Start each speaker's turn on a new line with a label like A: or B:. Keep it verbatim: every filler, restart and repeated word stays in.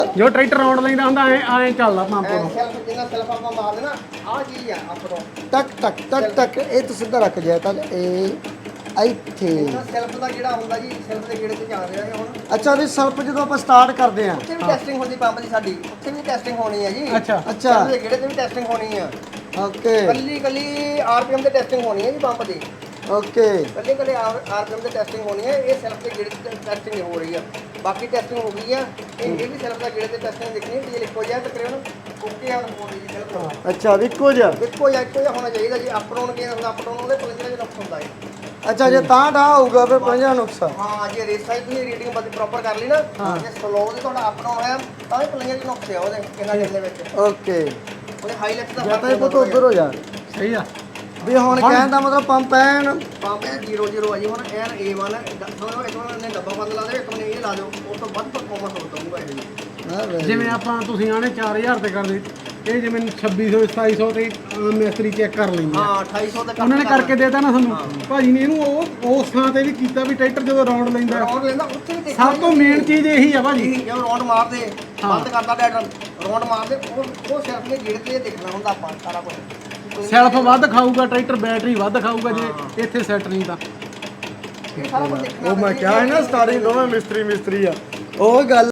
A: ਜੋ tractor round ਲੈਂਦਾ ਹੁੰਦਾ ਐ ਐ ਚੱਲਦਾ ਪੰਪ
B: ਐ
A: ਤੋਂ
B: ਸੈਲਫ ਜਿੰਨਾ ਸੈਲਫ ਆਪਾਂ ਮਾਰ ਦੇਣਾ ਆਹ ਚੀਜ਼ ਆ ਆਪਣੋ
C: ਟਕ ਟਕ ਟਕ ਟਕ ਇਹ ਤੂੰ ਸਿੱਧਾ ਰੱਖ ਜਾਇਆ ਤਾਂ ਇਹ ਇੱਥੇ
B: ਇਹਨਾਂ ਸੈਲਫ ਦਾ ਜਿਹੜਾ ਹੁੰਦਾ ਜੀ ਸੈਲਫ ਦੇ ਗੇੜੇ ਤੇ ਚੱਲ ਰਿਹਾ ਹੈ ਹੁਣ
C: ਅੱਛਾ ਵੀ ਸਲਪ ਜਦੋਂ ਆਪਾਂ ਸਟਾਰਟ ਕਰਦੇ ਆ
B: ਉੱਥੇ ਵੀ ਟੈਸਟਿੰਗ ਹੁੰਦੀ ਪੰਪ ਦੀ ਸਾਡੀ ਉੱਥੇ ਵੀ ਟੈਸਟਿੰਗ ਹੋਣੀ ਹੈ ਜੀ
A: ਅੱਛਾ
C: ਅੱਛਾ
B: ਸੈਲਫ ਦੇ ਗੇੜੇ ਤੇ ਵੀ ਟੈਸਟਿੰਗ ਹੋਣੀ ਆ
C: ਓਕੇ
B: ਕੱਲੀ ਕੱਲੀ ਆਰਪੀਐਮ ਤੇ ਟੈਸਟਿੰਗ ਹੋਣੀ ਹੈ ਜੀ ਪੰਪ ਦੀ
C: ਓਕੇ
B: ਕੱਲੇ ਕੱਲੇ ਆਰਪੀਐਮ ਤੇ ਟੈਸਟਿੰਗ ਹੋਣੀ ਹੈ ਇਹ ਸੈਲਫ ਦੇ ਗੇੜੇ ਤੇ ਟੈਸਟਿੰਗ ਹੋ ਰਹੀ ਆ ਬਾਕੀ ਟੈਸਟਿੰਗ ਹੋ ਗਈ ਆ ਇਹ ਇਹ ਵੀ ਸੈਲਫ ਦਾ ਗੇੜੇ ਤੇ ਟੈਸਟਿੰਗ ਦੇਖਣੀ ਹੈ ਡੀਜ਼ਲ ਇੱਕੋ ਜਿਹਾ ਤਕਰੀਬਨ ਓਕੇ ਆ ਹੋ ਰਹੀ ਹੈ ਸੈਲਫ
C: ਅੱਛਾ ਵੀ ਇੱਕੋ ਜਿਹਾ
B: ਇੱਕੋ ਜਿਹਾ ਇੱਕੋ ਜਿਹਾ ਹੋਣਾ ਚਾਹੀਦਾ ਜੀ ਅਪ ਡਾਊਨ ਕੀ ਹੁੰਦਾ ਅਪ ਡਾਊਨ ਉਹਦੇ ਪਲੰਜਰ ਦੇ ਨੁਕਸ ਹੁੰਦਾ ਹੈ
C: ਅੱਛਾ ਜੇ ਤਾਂ ਢਾਹ ਹੋਊਗਾ ਫਿਰ ਪੰਜਾਂ ਨੁਕਸਾ
B: ਹਾਂ ਜੇ ਰੇਸ ਸਾਈਜ਼ ਤੁਸੀਂ ਰੀਡਿੰਗ ਬਸ ਪ੍ਰੋਪਰ ਕਰ ਲਈ ਨਾ ਜੇ ਸਲੋ ਦੇ ਤੁਹਾਡਾ ਅਪ ਡਾਊਨ ਹੋਇਆ ਤਾਂ ਵੀ ਪਲੰਜਰ ਦੇ ਨੁਕਸ ਆ ਉਹਦੇ ਕਿੰਨਾ ਦੇ ਵਿੱਚ
C: ਓਕੇ
B: ਉਹਦੇ ਹਾਈ ਲੈਕਸ ਦਾ
C: ਜਾਂ ਤਾਂ ਇਹ ਪੁੱਤ ਉੱਧਰ ਹੋ ਜਾ
A: ਸਹੀ ਆ
C: ਵੀ ਹੁਣ ਕਹਿਣ ਦਾ ਮਤਲਬ ਪੰਪ ਐਨ
B: ਪੰਪ ਹੈ ਜ਼ੀਰੋ ਜ਼ੀਰੋ ਆ ਜੀ ਹੁਣ ਐਨ ਏ ਵਨ ਸਮਝੋ ਇੱਕ ਵਾਰ ਨੇ ਡੱਬਾ ਬੰਦ ਲਾ ਦੇ ਇੱਕ ਵਾਰ ਇਹ ਲਾ ਦਿਓ ਉਸ ਤੋਂ ਵੱਧ ਪਰਫਾਰਮੈਂਸ ਹੋ ਜਾਊਗਾ ਇਹ ਜੀ
C: ਹਾਂ very
A: ਜਿਵੇਂ ਆਪਾਂ ਤੁਸੀਂ ਆਣੇ ਚਾਰ ਹਜ਼ਾਰ ਤੇ ਕਰਦੇ ਇਹ ਜਿਵੇਂ ਛੱਬੀ ਸੌ ਸਤਾਈ ਸੌ ਤੇ ਆਮ ਮਿਸਤਰੀ ਚੈੱਕ ਕਰ ਲੈਂਦੇ ਆ
B: ਹਾਂ ਅਠਾਈ ਸੌ ਤੱਕ
A: ਉਹਨਾਂ ਨੇ ਕਰਕੇ ਦੇਤਾ ਨਾ ਸਾਨੂੰ ਭਾਜੀ ਨੇ ਇਹਨੂੰ ਉਹ ਉਸ ਥਾਂ ਤੇ ਵੀ ਕੀਤਾ ਵੀ ਟਰੈਕਟਰ ਜਦੋਂ ਰੌਂਡ ਲੈਂਦਾ
B: ਰੌਂਡ ਲੈਂਦਾ ਉੱਥੇ ਵੀ ਦੇਖਣਾ
A: ਸਭ ਤੋਂ ਮੇਨ ਚੀਜ਼ ਇਹੀ ਆ ਭਾਜੀ
B: ਜਦੋਂ ਰੌਂਡ ਮਾਰਦੇ ਬੰਦ ਕਰਦਾ ਡੈਡਰ ਰੌਂਡ ਮਾਰਦੇ ਉਹ ਉਹ ਸਿਰਫ ਨੇ ਗੇੜ ਤੇ ਦੇਖਣਾ ਹੁੰਦਾ ਆਪਾਂ ਸਾਰਾ ਕੁਝ
A: ਸੈਲਫ ਵੱਧ ਖਾਊਗਾ ਟਰੈਕਟਰ ਬੈਟਰੀ ਵੱਧ ਖਾਊਗਾ ਜੇ ਇੱਥੇ ਸੈੱਟ ਨਹੀਂ ਤਾਂ
B: ਇਹ ਸਾਰਾ ਕੁਝ ਦੇਖਣਾ
C: ਉਹ ਮੈਂ ਕਿਹਾ ਹੈ ਨਾ ਸਟਾਰਟਿੰਗ ਦੋਵੇਂ ਮਿਸਤਰੀ ਮਿਸਤਰੀ ਆ ਉਹ ਗੱਲ